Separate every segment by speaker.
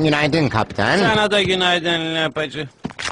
Speaker 1: Günaydın kaptan.
Speaker 2: Sana da günaydın Lapacı.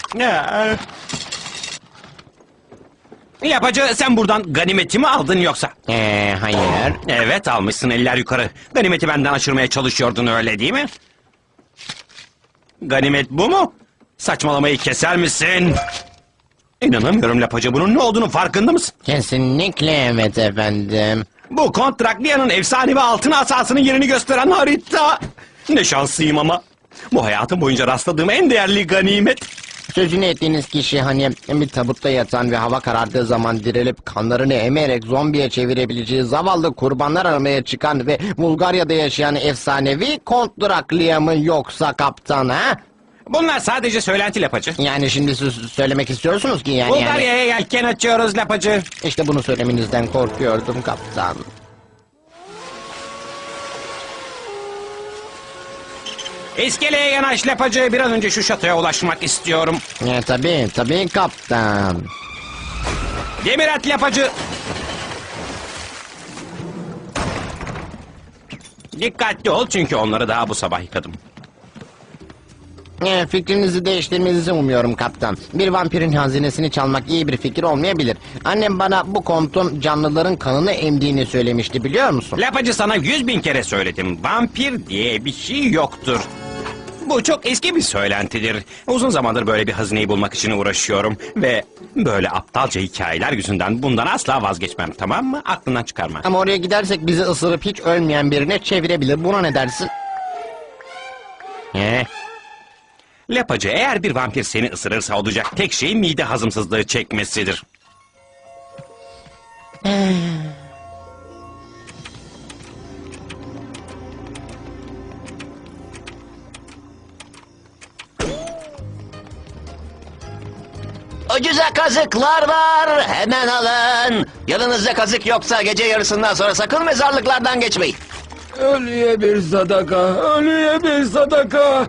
Speaker 2: Lapacı, sen buradan ganimeti mi aldın yoksa?
Speaker 1: Hayır.
Speaker 2: Evet, almışsın, eller yukarı. Ganimeti benden aşırmaya çalışıyordun, öyle değil mi? Ganimet bu mu? Saçmalamayı keser misin? İnanamıyorum Lapacı, bunun ne olduğunu farkında mısın?
Speaker 1: Kesinlikle evet efendim.
Speaker 2: Bu Kontrakliya'nın efsanevi altın asasının yerini gösteren harita. Ne şanslıyım ama. Bu hayatım boyunca rastladığım en değerli ganimet.
Speaker 1: Sözünü ettiğiniz kişi hani bir tabutta yatan ve hava karardığı zaman dirilip kanlarını emerek zombiye çevirebileceği zavallı kurbanlar aramaya çıkan ve Bulgarya'da yaşayan efsanevi Kont Draklia mı yoksa kaptan ha?
Speaker 2: Bunlar sadece söylenti Lapacı.
Speaker 1: Yani şimdi siz söylemek istiyorsunuz ki yani...
Speaker 2: Bulgarya'ya yelken açıyoruz Lapacı.
Speaker 1: İşte bunu söylemenizden korkuyordum kaptan.
Speaker 2: İskeleye yanaş Lapacı. Bir an önce şu şatoya ulaşmak istiyorum.
Speaker 1: Tabii kaptan.
Speaker 2: Demir at Lapacı. Dikkatli ol çünkü onları daha bu sabah yıkadım.
Speaker 1: Fikrinizi değiştirmenizi umuyorum kaptan. Bir vampirin hazinesini çalmak iyi bir fikir olmayabilir. Annem bana bu kontun canlıların kanını emdiğini söylemişti, biliyor musun?
Speaker 2: Lapacı, sana 100.000 kere söyledim. Vampir diye bir şey yoktur. Bu çok eski bir söylentidir. Uzun zamandır böyle bir hazineyi bulmak için uğraşıyorum. Ve böyle aptalca hikayeler yüzünden bundan asla vazgeçmem, tamam mı? Aklından çıkarma.
Speaker 1: Ama oraya gidersek bizi ısırıp hiç ölmeyen birine çevirebilir. Buna ne dersin?
Speaker 2: Lapacı, eğer bir vampir seni ısırırsa olacak tek şey mide hazımsızlığı çekmesidir.
Speaker 3: Ucuza kazıklar var, hemen alın. Yanınızda kazık yoksa gece yarısından sonra sakın mezarlıklardan geçmeyin.
Speaker 4: Ölüye bir sadaka, ölüye bir sadaka.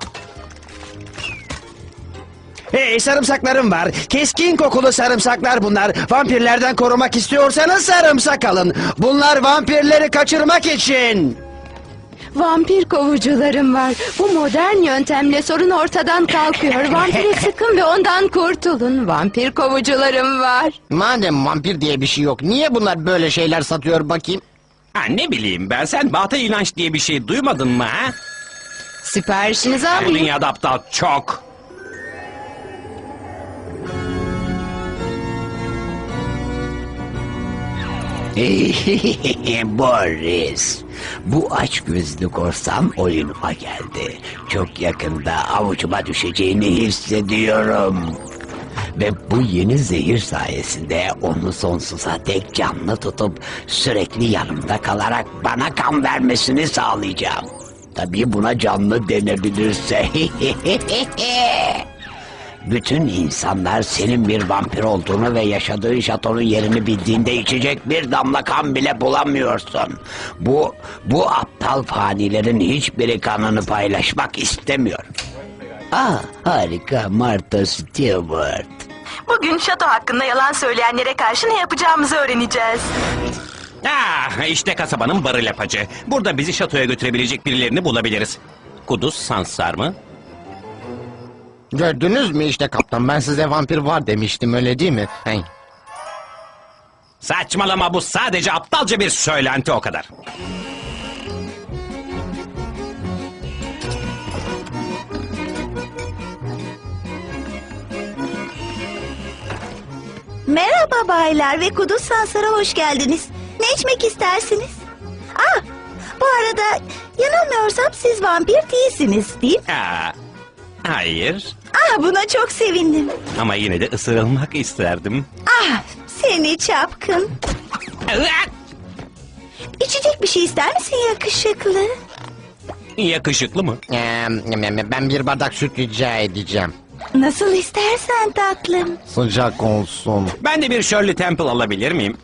Speaker 5: Hey, sarımsaklarım var. Keskin kokulu sarımsaklar bunlar. Vampirlerden korumak istiyorsanız sarımsak alın. Bunlar vampirleri kaçırmak için.
Speaker 6: Vampir kovucularım var. Bu modern yöntemle sorun ortadan kalkıyor. Vampire sıkın ve ondan kurtulun. Vampir kovucularım var.
Speaker 1: Madem vampir diye bir şey yok, niye bunlar böyle şeyler satıyor bakayım?
Speaker 2: Ha, ne bileyim ben, sen batıl inanç diye bir şey duymadın mı ha?
Speaker 6: Siparişinizi
Speaker 2: Bu
Speaker 6: alayım.
Speaker 2: dünyada aptal çok.
Speaker 3: Boris, bu açgözlü korsan oyunuma geldi. Çok yakında avucuma düşeceğini hissediyorum. Ve bu yeni zehir sayesinde onu sonsuza dek canlı tutup sürekli yanımda kalarak bana kan vermesini sağlayacağım. Tabii buna canlı denebilirse. Bütün insanlar senin bir vampir olduğunu ve yaşadığın şatonun yerini bildiğinde içecek bir damla kan bile bulamıyorsun. Bu aptal fanilerin hiçbiri kanını paylaşmak istemiyor. Harika Martha Stewart.
Speaker 7: Bugün şato hakkında yalan söyleyenlere karşı ne yapacağımızı öğreneceğiz.
Speaker 2: İşte kasabanın barı Lapacı. Burada bizi şatoya götürebilecek birilerini bulabiliriz. Kuduz Sansar mı?
Speaker 1: Gördünüz mü işte kaptan, ben size vampir var demiştim, öyle değil mi?
Speaker 2: Saçmalama, bu sadece aptalca bir söylenti, o kadar.
Speaker 8: Merhaba baylar ve Kuduz Sansar'a hoş geldiniz. Ne içmek istersiniz? Bu arada yanılmıyorsam siz vampir değilsiniz, değil mi?
Speaker 2: Hayır.
Speaker 8: Buna çok sevindim.
Speaker 2: Ama yine de ısırılmak isterdim.
Speaker 8: Seni çapkın. İçecek bir şey ister misin yakışıklı?
Speaker 2: Yakışıklı mı?
Speaker 1: Ben bir bardak süt rica edeceğim.
Speaker 8: Nasıl istersen tatlım.
Speaker 1: Sıcak olsun.
Speaker 2: Ben de bir Shirley Temple alabilir miyim?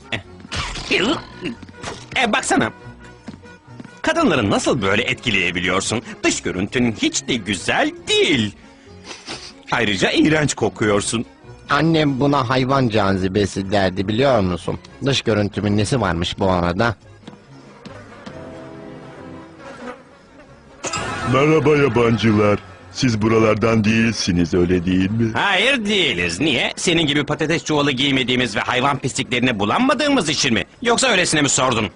Speaker 2: Baksana. Kadınları nasıl böyle etkileyebiliyorsun? Dış görüntün hiç de güzel değil. Ayrıca iğrenç kokuyorsun.
Speaker 1: Annem buna hayvan cazibesi derdi, biliyor musun? Dış görüntümün nesi varmış bu arada?
Speaker 9: Merhaba yabancılar. Siz buralardan değilsiniz, öyle değil mi?
Speaker 2: Hayır değiliz. Niye? Senin gibi patates çuvalı giymediğimiz ve hayvan pisliklerine bulanmadığımız için mi? Yoksa öylesine mi sordun?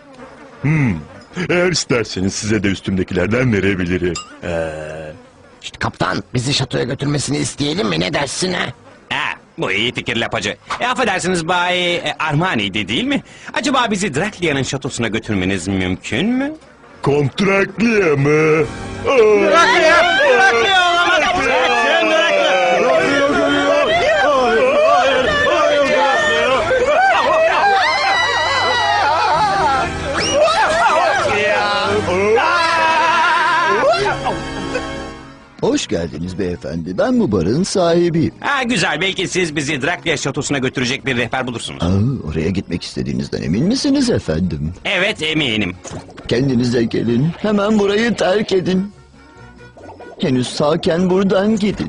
Speaker 9: Eğer isterseniz size de üstümdekilerden verebilirim.
Speaker 1: İşte kaptan bizi şatoya götürmesini isteyelim mi, ne dersin ha?
Speaker 2: Ha, bu iyi fikir lapacı. Affedersiniz Bay Armani'ydi değil mi? Acaba bizi Draklia'nın şatosuna götürmeniz mümkün mü?
Speaker 9: Kontrakliye mı?
Speaker 10: Hoş geldiniz beyefendi. Ben bu barın sahibiyim.
Speaker 2: Ha, güzel, belki siz bizi Draklia şatosuna götürecek bir rehber bulursunuz.
Speaker 10: Oraya gitmek istediğinizden emin misiniz efendim?
Speaker 2: Evet, eminim.
Speaker 10: Kendinize gelin. Hemen burayı terk edin. Henüz sağken buradan gidin.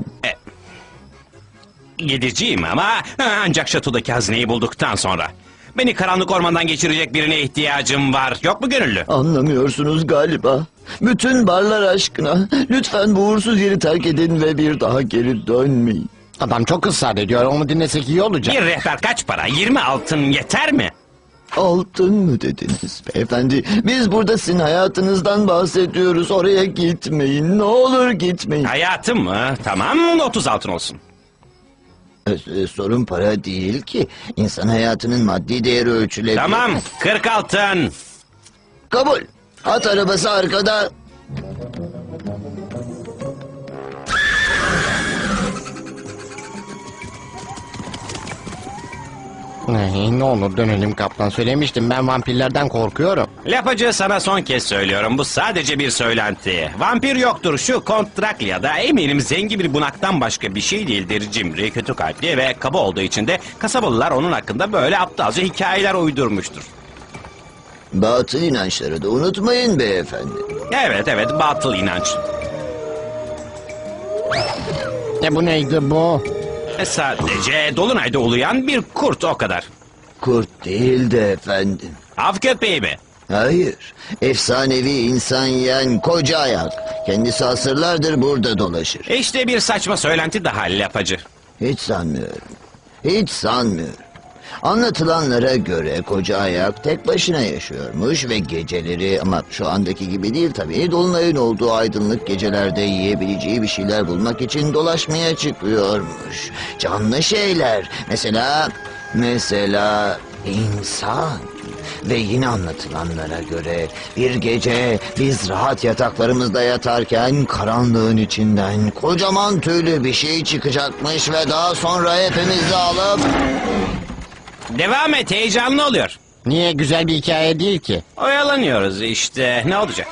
Speaker 2: Gideceğim ama ancak şatodaki hazineyi bulduktan sonra. Beni karanlık ormandan geçirecek birine ihtiyacım var. Yok mu gönüllü?
Speaker 10: Anlamıyorsunuz galiba. Bütün barlar aşkına. Lütfen bu uğursuz yeri terk edin ve bir daha geri dönmeyin.
Speaker 1: Adam çok ısrar ediyor, onu dinlesek iyi olacak.
Speaker 2: Bir rehber kaç para? 20 altın yeter mi?
Speaker 10: Altın mı dediniz beyefendi? Biz burada sizin hayatınızdan bahsediyoruz. Oraya gitmeyin. Ne olur gitmeyin.
Speaker 2: Hayatım mı? Tamam, 30 altın olsun.
Speaker 10: Sorun para değil ki. İnsan hayatının maddi değeri ölçülebilir.
Speaker 2: Tamam, 40 altın.
Speaker 10: Kabul. At arabası arkada.
Speaker 1: Ne olur dönelim kaptan, söylemiştim ben vampirlerden korkuyorum.
Speaker 2: Lapacı, sana son kez söylüyorum. Bu sadece bir söylenti. Vampir yoktur. Şu Kont Draklia'da eminim zengin bir bunaktan başka bir şey değildir. Cimri, kötü kalpli ve kaba olduğu için de kasabalılar onun hakkında böyle aptalca hikayeler uydurmuştur.
Speaker 10: Batıl inançları da unutmayın beyefendi.
Speaker 2: Evet, batıl inanç.
Speaker 1: Bu neydi bu?
Speaker 2: Sadece dolunayda uluyan bir kurt, o kadar.
Speaker 10: Kurt değil de efendim.
Speaker 2: Av köpeği mi?
Speaker 10: Hayır. Efsanevi insan yiyen koca ayak. Kendisi asırlardır burada dolaşır.
Speaker 2: İşte bir saçma söylenti daha lapacı.
Speaker 10: Hiç sanmıyorum. Hiç sanmıyorum. Anlatılanlara göre koca ayak tek başına yaşıyormuş ve geceleri, ama şu andaki gibi değil tabii, dolunayın olduğu aydınlık gecelerde yiyebileceği bir şeyler bulmak için dolaşmaya çıkıyormuş. Canlı şeyler, mesela insan. Ve yine anlatılanlara göre bir gece biz rahat yataklarımızda yatarken karanlığın içinden kocaman tüylü bir şey çıkacakmış ve daha sonra hepimizi alıp...
Speaker 2: Devam et, heyecanlı oluyor.
Speaker 1: Niye, güzel bir hikaye değil ki?
Speaker 2: Oyalanıyoruz işte, ne olacak?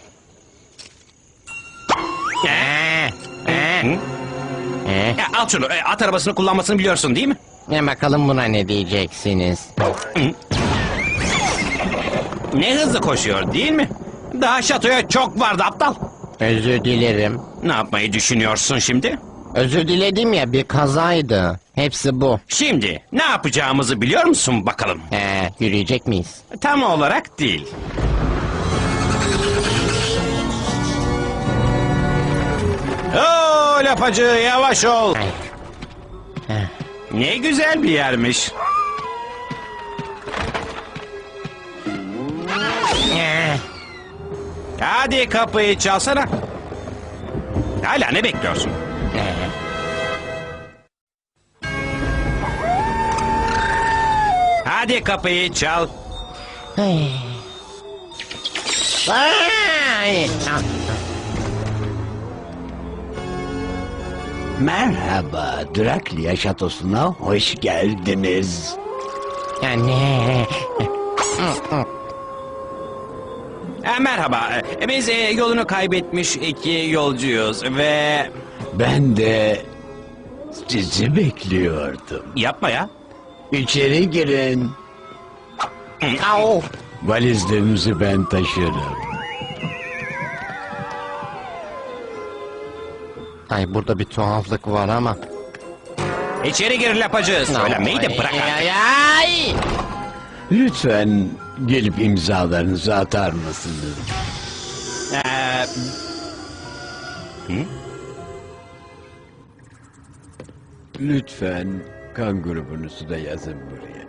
Speaker 2: Ya, al şunu, at arabasını kullanmasını biliyorsun değil mi?
Speaker 1: Bakalım buna ne diyeceksiniz?
Speaker 2: Ne hızlı koşuyor değil mi? Daha şatoya çok vardı aptal.
Speaker 1: Özür dilerim.
Speaker 2: Ne yapmayı düşünüyorsun şimdi?
Speaker 1: Özür diledim ya, bir kazaydı. Hepsi bu.
Speaker 2: Şimdi ne yapacağımızı biliyor musun bakalım?
Speaker 1: Yürüyecek miyiz?
Speaker 2: Tam olarak değil. Oo, lapacı, yavaş ol. Ne güzel bir yermiş. Hadi kapıyı çalsana. Hala ne bekliyorsun? Hadi kapıyı çal.
Speaker 3: Merhaba, Draklia şatosuna hoş geldiniz.
Speaker 1: Anne.
Speaker 2: Merhaba, biz yolunu kaybetmiş iki yolcuyuz ve...
Speaker 3: Ben de sizi bekliyordum.
Speaker 2: Yapma ya.
Speaker 3: İçeri girin.
Speaker 1: Au.
Speaker 3: Valizlerinizi ben taşırım.
Speaker 1: Ay, burada bir tuhaflık var ama.
Speaker 2: İçeri gir lapacı. Söylenmeyi de bırak artık.
Speaker 1: Ay.
Speaker 3: Lütfen gelip imzalarınızı atar mısınız? Lütfen kan grubunuzu da yazın buraya.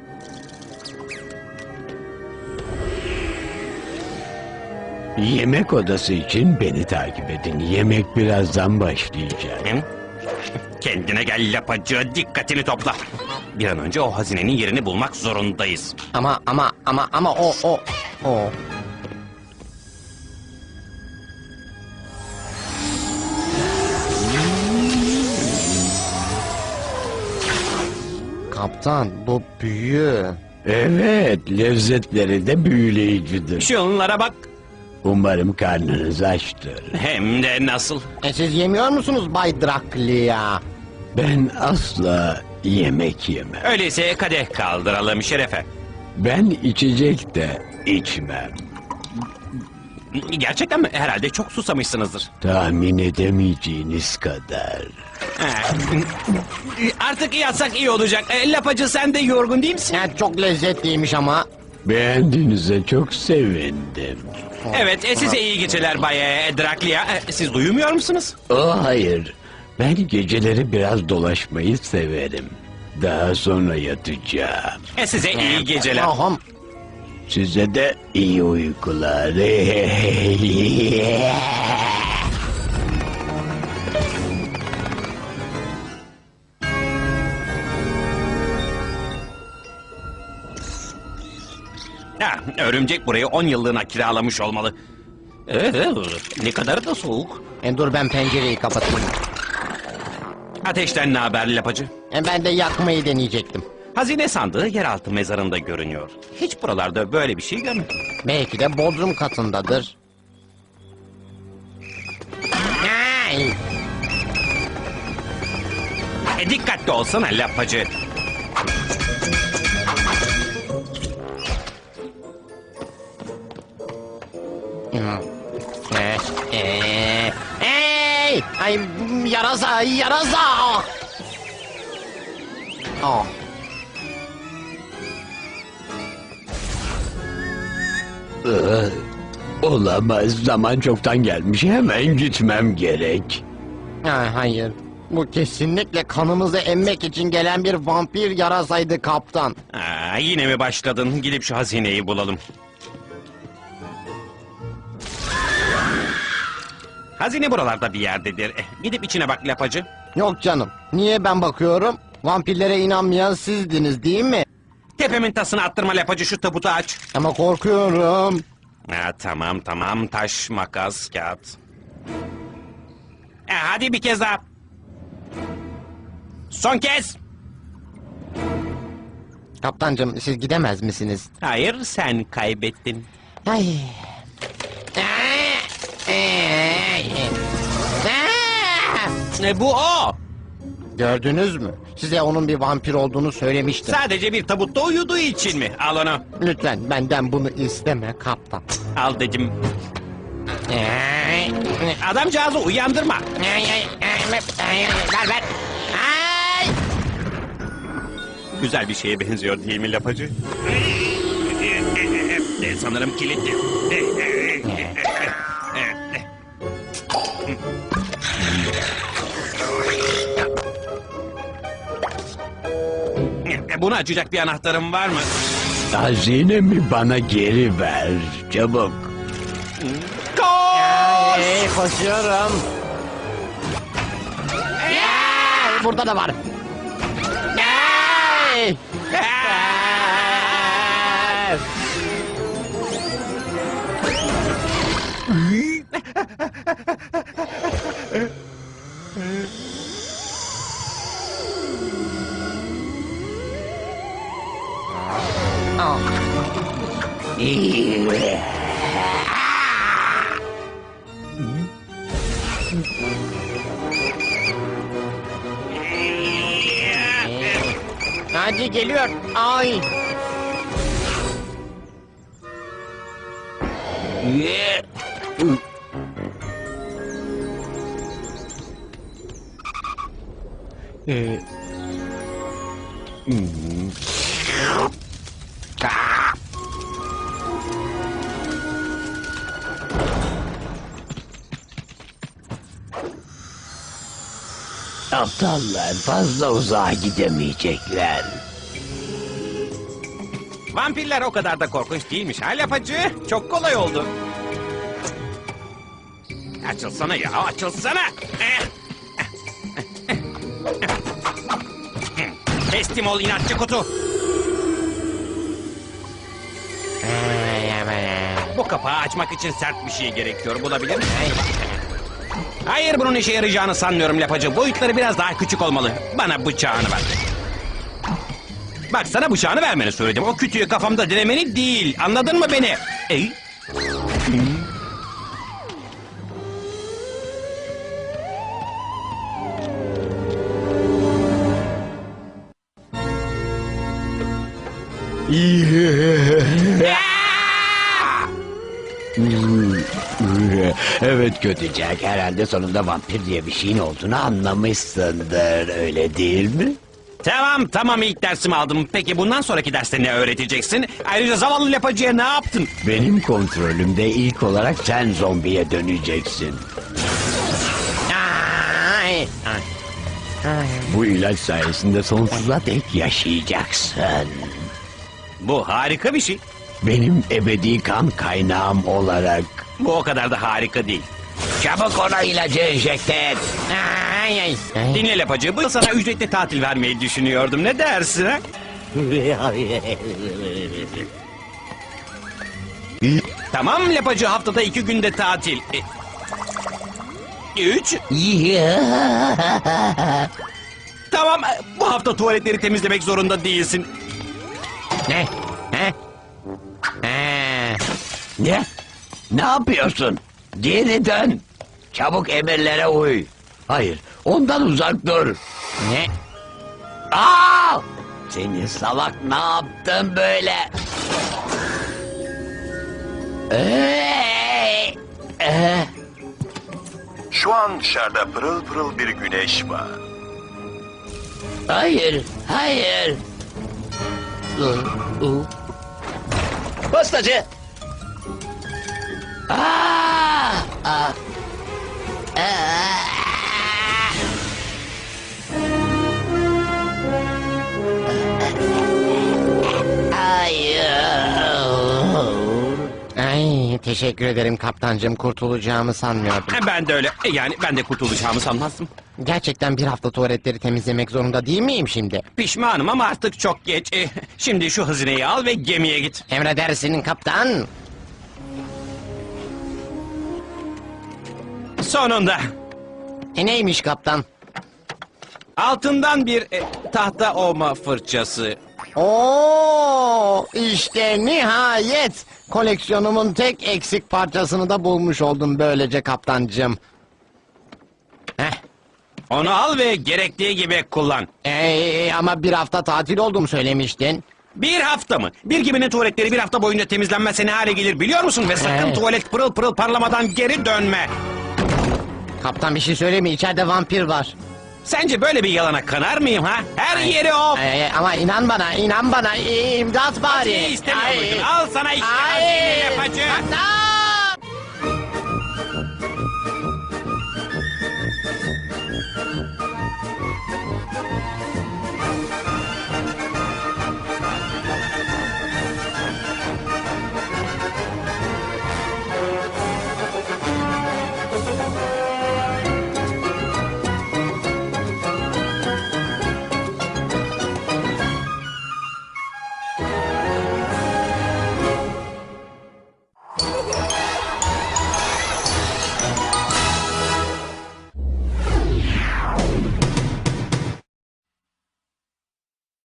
Speaker 3: Yemek odası için beni takip edin. Yemek birazdan başlayacak.
Speaker 2: Hı? Kendine gel lapacı, dikkatini topla. Bir an önce o hazinenin yerini bulmak zorundayız.
Speaker 1: Ama o. Kaptan, bu büyü.
Speaker 3: Evet, lezzetleri de büyüleyicidir.
Speaker 2: Şunlara bak.
Speaker 3: Umarım karnınız açtır.
Speaker 2: Hem de nasıl?
Speaker 1: Siz yemiyor musunuz Bay Draklia?
Speaker 3: Ben asla yemek yemem.
Speaker 2: Öyleyse kadeh kaldıralım şerefe.
Speaker 3: Ben içecek de içmem.
Speaker 2: Gerçekten mi? Herhalde çok susamışsınızdır.
Speaker 3: Tahmin edemeyeceğiniz kadar.
Speaker 2: Artık yatsak iyi olacak. Lapacı, sen de yorgun değil misin?
Speaker 1: Çok lezzetliymiş ama.
Speaker 3: Beğendiğinize çok sevindim.
Speaker 2: Evet, size iyi geceler Bay Draklia. Siz uyumuyor musunuz?
Speaker 3: Oh hayır. Ben geceleri biraz dolaşmayı severim. Daha sonra yatacağım.
Speaker 2: Size iyi geceler.
Speaker 1: Aham.
Speaker 3: Size de iyi uykular.
Speaker 2: Örümcek burayı 10 yıllığına kiralamış olmalı. Ne kadar da soğuk.
Speaker 1: Dur ben pencereyi kapatayım.
Speaker 2: Ateşten ne haber lapacı?
Speaker 1: Ben de yakmayı deneyecektim.
Speaker 2: Hazine sandığı yeraltı mezarında görünüyor. Hiç buralarda böyle bir şey görmedim.
Speaker 1: Belki de bodrum katındadır. Ay!
Speaker 2: Dikkatli olsana lapacı.
Speaker 1: Hey! Ay yarasa, yarasa! Oh.
Speaker 3: Olamaz. Zaman çoktan gelmiş. Hemen gitmem gerek.
Speaker 1: Hayır. Bu kesinlikle kanımızı emmek için gelen bir vampir yarasaydı kaptan.
Speaker 2: Yine mi başladın? Gidip şu hazineyi bulalım. Hazine buralarda bir yerdedir. Gidip içine bak lapacı.
Speaker 1: Yok canım. Niye ben bakıyorum? Vampirlere inanmayan sizdiniz değil mi?
Speaker 2: Tepemin tasını attırma lapacı, şu tabutu aç.
Speaker 1: Ama korkuyorum.
Speaker 2: Tamam, taş, makas, kağıt. Hadi bir kez daha. Son kez.
Speaker 1: Kaptancım siz gidemez misiniz?
Speaker 2: Hayır, sen kaybettin.
Speaker 1: Ay.
Speaker 2: Bu o.
Speaker 1: Gördünüz mü? Size onun bir vampir olduğunu söylemiştim.
Speaker 2: Sadece bir tabutta uyuduğu için mi? Al onu.
Speaker 1: Lütfen benden bunu isteme kaptan.
Speaker 2: Al dedim. Adamcağızı uyandırma.
Speaker 1: Ver. Ay!
Speaker 2: Güzel bir şeye benziyor değil mi lapacı? Sanırım kilitli. Bunu açacak bir anahtarım var mı?
Speaker 3: Hazinemi bana geri ver. Çabuk.
Speaker 1: Ay, koşuyorum. Burada da var. Ay! Hadi geliyor. Ay.
Speaker 3: Aptallar fazla uzağa gidemeyecekler.
Speaker 2: Vampirler o kadar da korkunç değilmiş ha Lapacı. Çok kolay oldu. Açılsana ya, açılsana. Teslim ol inatçı kutu. Bu kapağı açmak için sert bir şey gerekiyor. Bulabilir miyim? Hayır, bunun işe yarayacağını sanmıyorum Lapacı. Boyutları biraz daha küçük olmalı. Bana bıçağını ver. Bak, sana bıçağını vermeni söyledim. O kütüğü kafamda denemeni değil. Anladın mı beni?
Speaker 3: Evet Kötücek, herhalde sonunda vampir diye bir şeyin olduğunu anlamışsındır, öyle değil mi?
Speaker 2: Tamam, ilk dersimi aldım. Peki bundan sonraki derste ne öğreteceksin? Ayrıca zavallı Lapacı'ya ne yaptın?
Speaker 3: Benim kontrolümde ilk olarak sen zombiye döneceksin.
Speaker 1: Ay.
Speaker 3: Bu ilaç sayesinde sonsuza dek yaşayacaksın.
Speaker 2: Bu harika bir şey.
Speaker 3: Benim ebedi kan kaynağım olarak.
Speaker 2: Bu o kadar da harika değil.
Speaker 3: Çabuk ona ilacı enjekte et.
Speaker 1: Ay.
Speaker 2: Dinle Lapacı, bu yıl sana ücretli tatil vermeyi düşünüyordum. Ne dersin ha? Tamam Lapacı, haftada 2 günde tatil. 3. Tamam, bu hafta tuvaletleri temizlemek zorunda değilsin.
Speaker 1: Ne? He?
Speaker 3: Ne? Ne yapıyorsun? Geri dön. Çabuk emirlere uy. Hayır, ondan uzak dur.
Speaker 1: Ne?
Speaker 3: Aa! Seni salak, ne yaptın böyle?
Speaker 9: Şu an dışarıda pırıl pırıl bir güneş var.
Speaker 3: Hayır, hayır.
Speaker 5: Postacı.
Speaker 1: Ay, teşekkür ederim kaptancım. Kurtulacağımı sanmıyordum.
Speaker 2: Ben de öyle. Yani ben de kurtulacağımı sanmazdım.
Speaker 1: Gerçekten bir hafta tuvaletleri temizlemek zorunda değil miyim şimdi?
Speaker 2: Pişmanım ama artık çok geç. Şimdi şu hazineyi al ve gemiye git.
Speaker 1: Emredersin kaptan.
Speaker 2: Sonunda.
Speaker 1: Neymiş kaptan?
Speaker 2: Altından bir tahta ovma fırçası.
Speaker 1: Oo, işte nihayet koleksiyonumun tek eksik parçasını da bulmuş oldum böylece kaptancım.
Speaker 2: Onu al ve gerektiği gibi kullan.
Speaker 1: Ama bir hafta tatil olduğumu söylemiştin.
Speaker 2: Bir hafta mı? Bir geminin tuvaletleri bir hafta boyunca temizlenmezse ne hale gelir biliyor musun? Ve sakın tuvalet pırıl pırıl parlamadan geri dönme.
Speaker 1: Kaptan bir şey söyleme, içeride vampir var.
Speaker 2: Sence böyle bir yalana kanar mıyım ha? Her yeri o.
Speaker 1: Ama inan bana, imdat bari.
Speaker 2: İstemiyor muydun? Al sana işte
Speaker 1: Ay.
Speaker 2: hazine Lapacı.
Speaker 1: Kaptan!